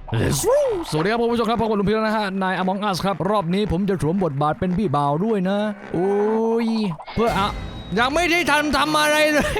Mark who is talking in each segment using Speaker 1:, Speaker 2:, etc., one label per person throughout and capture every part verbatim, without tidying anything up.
Speaker 1: สวัสดีครับผู้ชมครับพบกับลุงพีแล้วนะฮะนาย Among Us ครับรอบนี้ผมจะสวมบทบาทเป็นพี่บ่าวด้วยนะโอ้ยเพื่ออะยังไม่ได้ทันทำอะไรเลย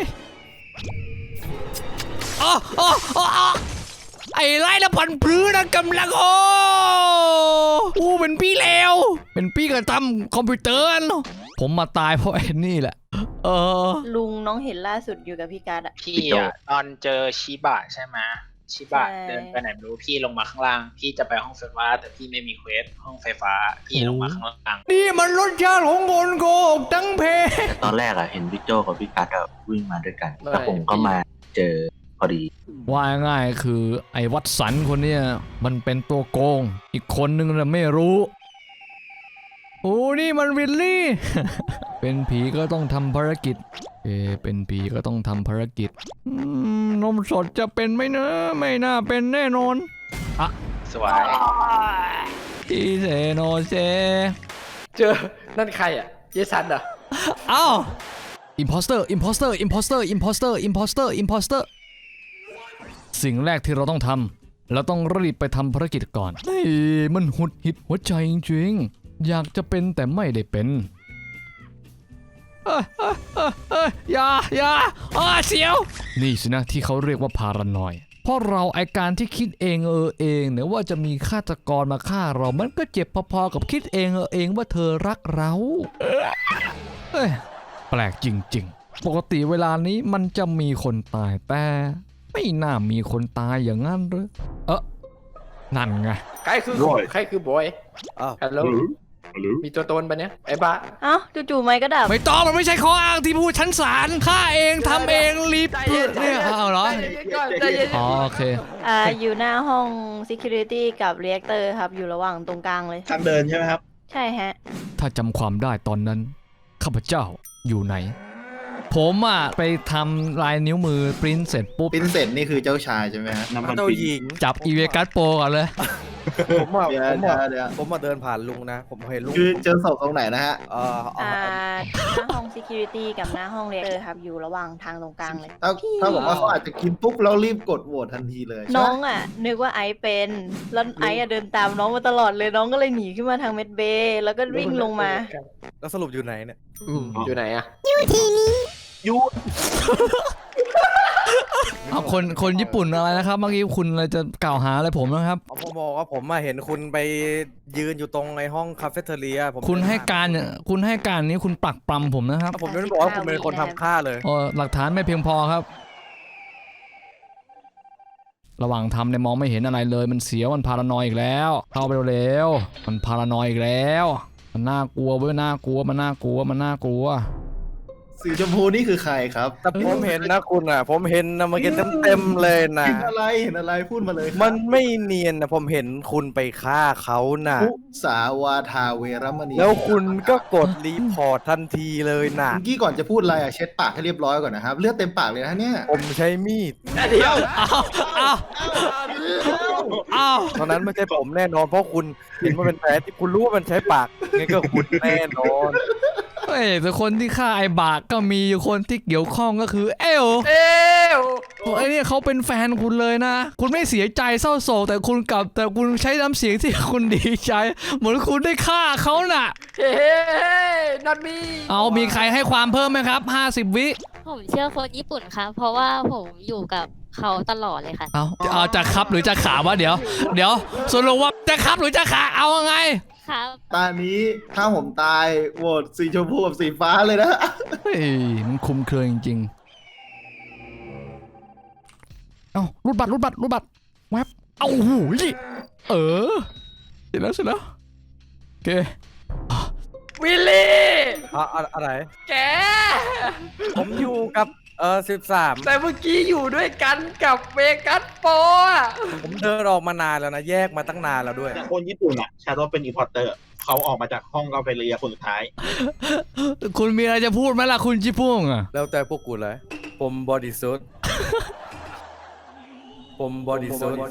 Speaker 1: อ๋ออ๋ออ๋อไอ้ไรละพันพื้นนะกำลังโอ้โอ้เป็นพี่เลวเป็นพี่กระทำคอมพิวเตอร์ผมมาตายเพราะไอ้นี่แหละเออ
Speaker 2: ลุงน้องเห็นล่าสุดอยู่กับพี่การ์ดอะ
Speaker 3: พี่อะตอนเจอชิบะใช่ไหมชิบะ
Speaker 2: ใช่
Speaker 3: เดินไปไหนไม่รู้พี่ลงมาข้างล่างพี่จะไปห้องไฟฟ้าแต่พี่ไม่มีเควสห้องไฟฟ้าพี่ลงมาข้างล่าง
Speaker 1: นี่มันรสชาติของคนโกหกทั้งเพ
Speaker 4: แต่ตอนแรกอะเห็นพี่โจกับพี่กัดอะวิ่งมาด้วยกันแล้วผมก็มาเจอพอดี
Speaker 1: ว่าง่ายคือไอ้วัดสันคนเนี้ยมันเป็นตัวโกงอีกคนนึงน่ะไม่รู้โอ้นี่มันวิลลี่ เป็นผีก็ต้องทำภารกิจเอเป็นผีก็ต้องทำภารกิจอืมนมสดจะเป็นไหมเนอะไม่น่าเป็นแน่นอนอะ
Speaker 3: สวย
Speaker 1: อีเซโนเซ
Speaker 5: เจอนั่นใครอ่ะเจสันเหรอ
Speaker 1: เอ้าอิมพอสเตอร์อิมพอสเตอร์อิมพอสเตอร์อิมพอสเตอร์อิมพอสเตอร์อิมพอสเตอร์สิ่งแรกที่เราต้องทำเราต้องรีบไปทำภารกิจก่อนเฮ้ยมันหุดหิดหัวใจจริงๆอยากจะเป็นแต่ไม่ได้เป็นเอ้ยเอ้ยเอ้ยเอ้ยอย่าอย่าอ้าเสียวนี่สินะที่เขาเรียกว่าพารานอยเพราะเราไอการที่คิดเองเออเองเนี่ยว่าจะมีฆาตกรมาฆ่าเรามันก็เจ็บพอๆกับคิดเองเออเองว่าเธอรักเราเอ้ยแปลกจริงๆปกติเวลานี้มันจะมีคนตายแต่ไม่น่ามีคนตายอย่างนั้นหรือเออนั่นไง
Speaker 5: ใครคือใครคือบอยอ้าวฮัลโหลมีตัวตนปะเนี่ยไอ้บ้า
Speaker 2: เอ้าจู่ๆไม้ก็ดับ
Speaker 1: ไม่ต้องมันไม่ใช่ข้ออ้างที่พูดชั้นศาลฆ่าเองทำเองรีบ
Speaker 5: ใจเย็น
Speaker 1: เนี่ยเอาเหรอ
Speaker 5: ใจเย็นก่อนใจเย็น
Speaker 1: อ๋อโอเค
Speaker 2: อ่าอยู่หน้าห้อง security กับ reactor ครับอยู่ระหว่างตรงกลางเลย
Speaker 6: ทางเดินใช่ไหมครับ
Speaker 2: ใช่ฮะ
Speaker 1: ถ้าจำความได้ตอนนั้นข้าพเจ้าอยู่ไหน ผมอ่ะไปทำลายนิ้วมือปริ้นเสร็จปุ๊บ
Speaker 6: ปินเสร็จนี่คือเจ้าชายใช่ไหมฮะ
Speaker 4: น้ำมัน
Speaker 7: เจ้า
Speaker 4: ปิด
Speaker 7: หญิง
Speaker 1: จับอีเวกัสโปก่อนเลย
Speaker 7: ผมอ่ะ
Speaker 6: เดี๋ยว
Speaker 7: ผม
Speaker 6: เดี๋ย
Speaker 7: อ่ะ
Speaker 6: วเดี๋ยว
Speaker 7: ผมมาเดินผ่านลุงนะ ผมเห็นลุง
Speaker 6: คือเจอศพตรงไหนนะฮะ
Speaker 7: เอ่อเอา
Speaker 2: อ่า
Speaker 7: เอา
Speaker 2: หน้าห้อง security กับหน้าห้อง reactor ครับอยู่ระหว่างทางตรงกลางเลย
Speaker 6: ถ้าถ้าบอกว่าเขาอาจจะกินปุ๊บแล้วรีบกดโหวตทันทีเลย
Speaker 2: น้องอ่ะนึกว่าไอซ์เป็นแล้วไอซ์อะเดินตามน้องมาตลอดเลยน้องก็เลยหนีขึ้นมาทางเมดเบย์แล้วก็วิ่งลงมา
Speaker 7: แล้วสรุปอยู่ไหนเนี่ย
Speaker 5: อืมอยู่ไหนอ่ะ
Speaker 1: เอาคนคนญี่ปุ่นอะไรนะครับเมื่อกี้คุณอะไรจะกล่าวหาอะไรผมนะครับ
Speaker 7: เอาผมบอกว่าผมมาเห็นคุณไปยืนอยู่ตรงในห้องคาเฟ่เทเรียผม
Speaker 1: คุณให้การเนี่ยคุณให้การนี้คุณปักปรำผมนะครับ
Speaker 7: ผมไม่ได้บอกว่าคุณเป็นคนทำฆ่าเลย
Speaker 1: โอ้หลักฐานไม่เพียงพอครับ ระหว่างทำเนี่ยมองไม่เห็นอะไรเลยมันเสียวมันพารานอยอีกแล้ว เข้าไปเร็วๆมันพารานอยอีกแล้วมันน่ากลัวเว้ยน่ากลัวมันน่ากลัวมันน่ากลัว
Speaker 6: สีชมพูนี่คือใครครับ
Speaker 7: แต่ผมเห็นนะคุณอ่ะ ผมเห็นนะเมื่อกี้เต็มๆเลยนะ
Speaker 6: เห็นอะไรเห็นอะไรพูดมาเลยครับ
Speaker 7: มันไม่เนียนนะผมเห็นคุณไปฆ่าเขาน่ะ
Speaker 6: มุสาวาทาเวรมณี
Speaker 7: แล้วคุณก็กดรีพอร์ตทันทีเลยน่ะ
Speaker 6: เมื่อกี้ก่อนจะพูดอะไรอ่ะเช็ดปากให้เรียบร้อยก่อนนะครับเลือดเต็มปากเลยนะเนี่ย
Speaker 7: ผมใช้มีด
Speaker 5: เดี๋ยว
Speaker 1: อ้าวอ้าว
Speaker 7: ตอนนั้นไม่ใช่ผมแน่นอนเพราะคุณเห็นว่าเป็นแผลที่คุณรู้ว่ามันใช้ปากงั้นก็คุณแน่นอน
Speaker 1: เฮ้ยแต่คนที่ฆ่าไอ้บากก็มีอยู่คนที่เกี่ยวข้องก็คือเอล
Speaker 5: เอ้ว
Speaker 1: ไอ้เนี่ยเขาเป็นแฟนคุณเลยนะ คุณไม่เสียใจเศร้าโศกแต่คุณกลับแต่คุณใช้น้ำเสียงที่คุณดีใจ เหมือนคุณได้ฆ่าเขาน่ะ
Speaker 5: เฮ้นัทมี
Speaker 1: เอามีใครให้ความเพิ่มไหมครับห้าสิบวิ
Speaker 8: ผมเชื่อคนญี่ปุ่นครับเพราะว่าผมอยู่กับเขาตลอดเลยค่ะ
Speaker 1: เอาเอาจะครับหรือจะขาวะเดี๋ยว เดี๋ยวสรุปว่าจะครับหรือจะขาเอาไง
Speaker 8: ครับ
Speaker 6: ตอนนี้ถ้าผมตายโหวตสีชมพูกับสีฟ้าเลยนะ
Speaker 1: เฮ้ยมันคุมเครือจริงๆเอารูดบัตรรูดบัตรรูดบัตรแวบเอาหูยเออเสร็จแล้วเสร็จแล้วโอเค
Speaker 5: วิลลี่
Speaker 7: อะอะอะไร
Speaker 5: แก
Speaker 7: ผมอยู่กับเออสิบสาม
Speaker 5: แต่เมื่อกี้อยู่ด้วยกันกับเวกัสโปอ่ะ
Speaker 7: ผมเดินออกมานานแล้วนะ แยกมาตั้งนานแล้วด้วย
Speaker 9: แต่คนญี่ปุ่นอ่ะชาโดเป็นอีพอร์เตอร์เขาออกมาจากห้องกาเฟเรียคนสุดท้าย
Speaker 1: คุณมีอะไรจะพูดไหมล่ะคุณจิพุ่งอ่ะ
Speaker 7: แล้วแต่พวกกูเลย ผมบอดี้ซูทผมบอดี้ซูท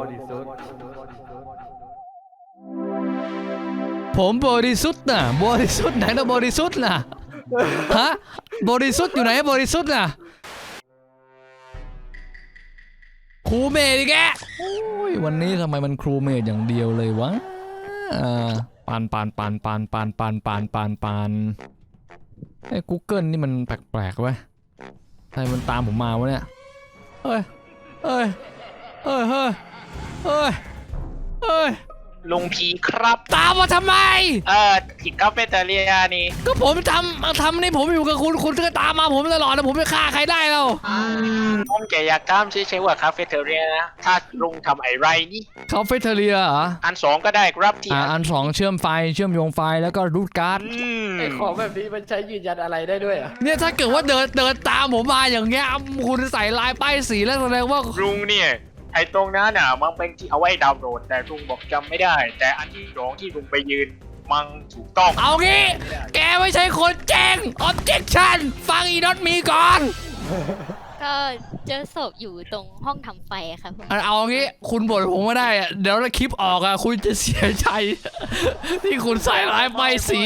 Speaker 1: ผมบริสุทธิ์นะบริสุทธิ์ไหนนะบริสุทธิ์น่ะฮะบริสุทธิ์อยู่ไหนบริสุทธิ์น่ะครูเมย์ดิแกโอ้ยวันนี้ทำไมมันครูเมดอย่างเดียวเลยวะอ่าปานปานปานปานปานปานปานปานปานไอ้ Google นี่มันแปลกๆเว้ยใครมันตามผมมาวะเนี่ยเฮ้ยเฮ้ยเฮ้ยเฮ้ยเฮ้ยเฮ้ย
Speaker 3: ลุงพีครับ
Speaker 1: ตามมาทำไม
Speaker 3: เออที่คาเฟ่เตอเรียนี่
Speaker 1: ก็ผมทำทำนี่ผมอยู่กับคุณคุณก็ตามมาผมตลอดนะผมไม่ฆ่าใครได้แล้ว
Speaker 3: ผมแกอยากตามใช้ๆว่าคาเฟ่เตอเรียนะ ถ้าลุงทำอะไรนี่
Speaker 1: เขาเฟเทเรียเหรอ
Speaker 3: อันสองก็ได้ครับที่
Speaker 1: อ่าอันสองเชื่อมไฟเชื่อมโยงไฟแล้วก็รูดการ์ด
Speaker 3: อืม
Speaker 5: ไอ้ของแบบนี้มันใช้ยืนยันอะไรได้ด้วยอ่ะ
Speaker 1: เนี่ยถ้าเกิดว่าเดินเดินตามผมมาอย่างเงี้ยคุณใส่ลายป้ายสีแล้วแสดงว่า
Speaker 3: ลุงเนี่ยไอ้ตรงนั้นน่ะมันเป็นที่เอาไว้ดาวน์โหลดแต่ลุงบอกจำไม่ได้ แต่อันที่สองที่ลุงไปยืนมันถูกต้อง
Speaker 1: เอางี้ แกไม่ใช่คนแจ้ง objection ฟังอีน็อตมีก่อน
Speaker 8: ก็เจอศพอยู่ตรงห้องทำไฟครับผม
Speaker 1: เอาเอางี้คุณบ่นผมไม่ได้อะเดี๋ยวถ้าคลิปออกอะคุณจะเสียใจ ที่คุณใส่ลายป้ายสี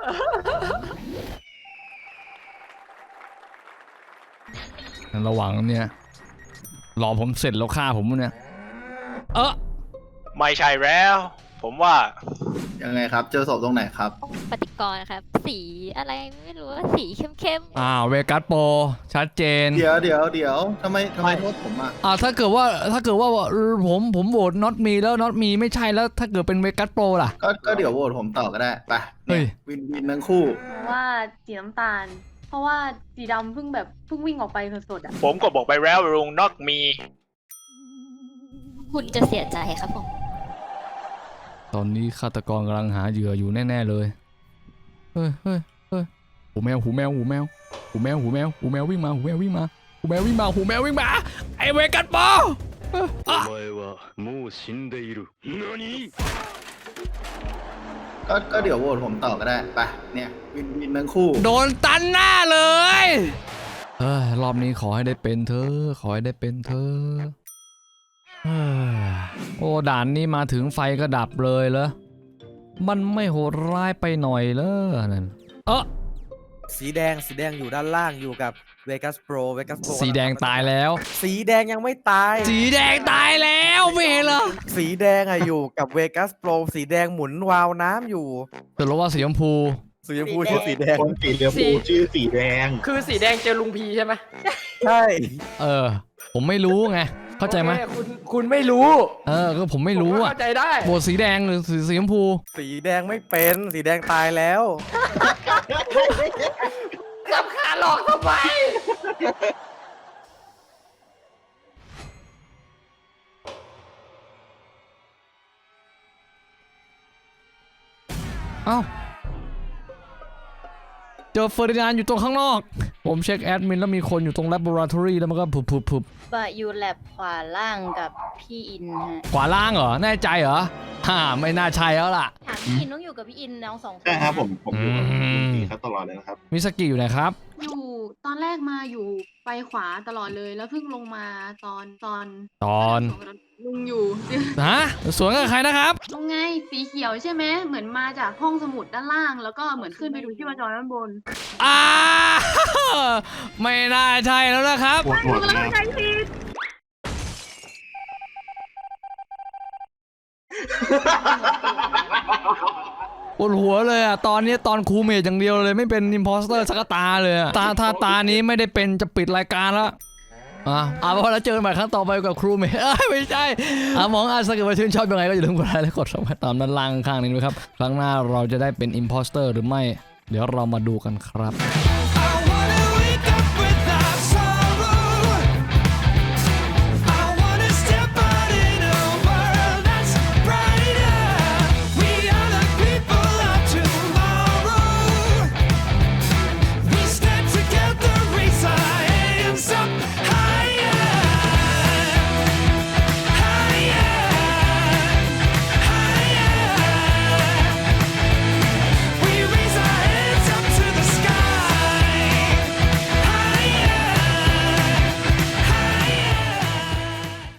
Speaker 1: ระหว่างเนี่ยรอผมเสร็จแล้วฆ่าผมเนี่ย เออ
Speaker 3: ไม่ใช่แล้ว ผมว่า
Speaker 6: ยังไงครับ เจอศพตรงไหนครับ
Speaker 8: ปฏิกรณ์ครับ สีอะไรไม่รู้ว่าสีเข้ม
Speaker 1: อ้าวเวกัสโปรชัดเจน
Speaker 6: เดี๋ยวเดี๋ยวเดี๋ยวทำไมทำไมโทษผมอ่ะ
Speaker 1: อ่าถ้าเกิดว่าถ้าเกิดว่าเออผมผมโหวตน็อตมีแล้วน็อตมีไม่ใช่แล้วถ้าเกิดเป็นเวกัสโปรล่ะ
Speaker 6: ก็ก็เดี๋ยวโหวตผมต่อก็ได้ไป
Speaker 1: เฮ้ย
Speaker 6: วินวินทั้งคู่
Speaker 2: เพราะว่าสีน้ำตาล เพราะว่าสีดำเพิ่งแบบเพิ่งวิ่งออกไปสดๆอ่ะ
Speaker 3: ผมก็บอกไปแล้วลุงนอกมี
Speaker 8: ๆ คุณจะเสียใจครับผม
Speaker 1: ตอนนี้ฆาตกรกำลังหาเหยื่ออยู่แน่ๆเลย เฮ้ยเฮ้ยเฮ้ยหูแมวหูแมวหูแมวหูแมวหูแมวหูแมววิ่งมาหูแมววิ่งมาหูแมววิ่งมาหูแมววิ่งมาไอเวกัสโปรอ่ะ
Speaker 6: ก็ก็เดี๋ยวโหวตผมต่อก็ได้ไปเนี่ยวินวินทั้งคู่
Speaker 1: โดนตันหน้าเลยเฮ้ยรอบนี้ขอให้ได้เป็นเธอขอให้ได้เป็นเธอเฮ้ยโอ้ด่านนี้มาถึงไฟก็ดับเลยเหรอมันไม่โหดร้ายไปหน่อยเลยนั่นเออ
Speaker 7: สีแดงสีแดงอยู่ด้านล่างอยู่กับเวกัสโปรเวกัสโปร
Speaker 1: สีแดงตายแล้ว
Speaker 7: สีแดงยังไม่ตาย
Speaker 1: สีแดงตายแล้วไม่เห็นเหรอ
Speaker 7: สีแดงอะอยู่กับเวกัสโปรสีแดงหมุนวาล์วน้ำอยู่
Speaker 1: แต่รู้ว่าสีชมพู
Speaker 7: สีชมพูชื่อสีแดง
Speaker 9: คนสีเหลืองปูชื่อสีแดง
Speaker 5: คือสีแดงเจอลุงพีใช่ไหม
Speaker 7: ใช่
Speaker 1: เออ ผมไม่รู้ไงเข้าใจไหม
Speaker 5: โอคคุณคุณไม่รู้
Speaker 1: เออก็ผมไม่รู้
Speaker 5: ผมก็
Speaker 1: อะ
Speaker 5: เข้าใจได้
Speaker 1: โบสีแดงหรือสีสีชมพู
Speaker 7: สีแดงไม่เป็นสีแดงตายแล้ว
Speaker 5: สับขาหลอกทำไม
Speaker 1: เอ้าเจอเฟอร์ดินานด์อยู่ตรงข้างนอก ผมเช็คแอดมินแล้วมีคนอยู่ตรง laboratory แล้วมันก็ผุบผุบผุบ
Speaker 2: บะยูแลบขวาล่างกับพี่อินฮะ
Speaker 1: ขวาล่างเหรอ แน่ใจเหรอฮ่าไม่น่าใช่แล้วล่ะ
Speaker 2: ถามพี่อินต้องอยู่กับพี่อินน้องสองคน
Speaker 9: ใช่ครับผมผมอยู่กับ
Speaker 1: อืม
Speaker 9: พี่เขาตลอดเลยนะครับ
Speaker 1: มิสกิอยู่ไหนครับ
Speaker 10: อยู่ตอนแรกมาอยู่ไปขวาตลอดเลยแล้วเพิ่งลงมาตอนตอน
Speaker 1: ตอน
Speaker 10: ลุงอยู่
Speaker 1: ฮะสวนกับใครนะครับ
Speaker 10: ลงไงสีเขียวใช่ไหมเหมือนมาจากห้องสมุดด้านล่าง แล้วก็เหมือนขึ้นไปดูที่วจรด้านบน
Speaker 1: อ่า ไม่น่าใช่แล้วนะครับ
Speaker 9: ปวดหัวนะ
Speaker 1: ปวดหัวเลยอ่ะ ตอนนี้ตอนครูเมดอย่างเดียวเลยไม่เป็นอิมพอสเตอร์สักตาเลยอะตาถ้าตานี้ไม่ได้เป็นจะปิดรายการแล้ว อ่ะเอาพอแล้วเจอกันใหม่ครั้งต่อไปกับครูเมย์เอ้ยไม่ใช่อ่ะมองอาถ้าเกิดว่าชื่นชอบยังไงก็อย่าลืมกดไลค์และกดซับสไครบ์ตามด้านล่างข้างนี้ด้วยครับครั้งหน้าเราจะได้เป็นอิมพอสเตอร์หรือไม่เดี๋ยวเรามาดูกันครับ